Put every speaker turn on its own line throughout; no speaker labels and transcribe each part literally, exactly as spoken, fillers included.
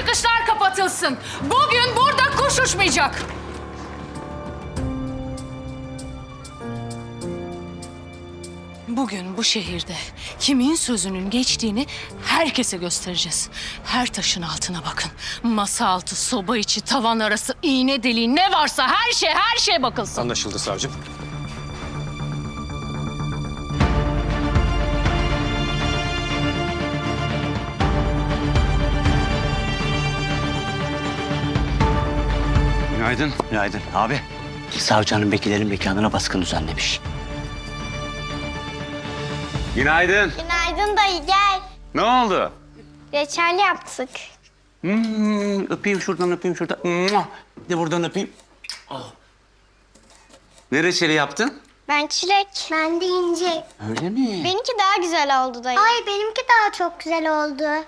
çıkışlar kapatılsın. Bugün burada kuş uçmayacak. Bugün bu şehirde kimin sözünün geçtiğini herkese göstereceğiz. Her taşın altına bakın. Masa altı, soba içi, tavan arası, iğne deliği ne varsa her şey, her şey bakılsın.
Anlaşıldı savcım.
Günaydın.
Günaydın abi. Savcı hanım vekillerin mekanına baskın düzenlemiş.
Günaydın.
Günaydın dayı, gel.
Ne oldu?
Reçel yaptık.
Hmm, öpeyim şuradan, öpeyim şuradan. Mua! Bir de buradan öpeyim. Oh. Ne reçeli yaptın?
Ben çilek. Ben de ince.
Öyle mi?
Benimki daha güzel oldu dayı. Ay benimki daha çok güzel oldu.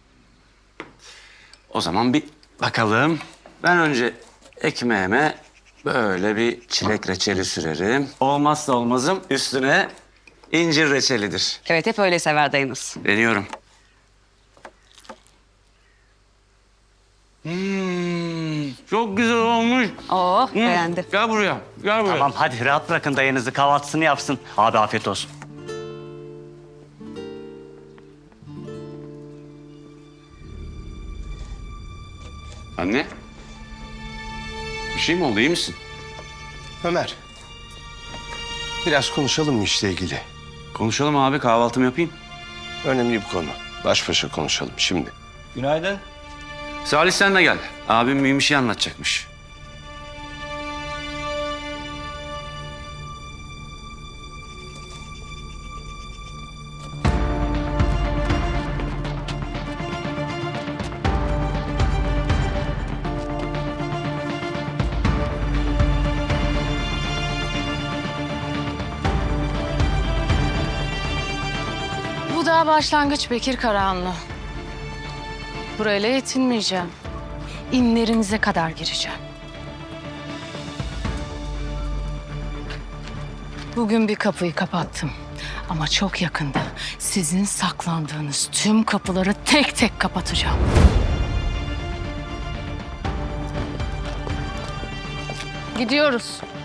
O zaman bir bakalım. Ben önce ekmeğime böyle bir çilek reçeli sürerim. Olmazsa olmazım üstüne incir reçelidir.
Evet, hep öyle sever dayınız.
Deniyorum. Hmm, çok güzel olmuş.
Oo,
Hmm,
beğendi.
Gel buraya, gel buraya.
Tamam hadi rahat bırakın dayınızı kahvaltısını yapsın. Abi afiyet olsun.
Anne. Bir şey mi oldu, iyi misin?
Ömer. Biraz konuşalım mı işle ilgili?
Konuşalım abi, kahvaltımı yapayım.
Önemli bir konu. Baş başa konuşalım şimdi.
Günaydın.
Salih sen de gel. Abim mühim bir şey anlatacakmış.
Bu daha başlangıç Bekir Karahanlı. Burayla yetinmeyeceğim. İnlerinize kadar gireceğim. Bugün bir kapıyı kapattım. Ama çok yakında sizin saklandığınız tüm kapıları tek tek kapatacağım. Gidiyoruz.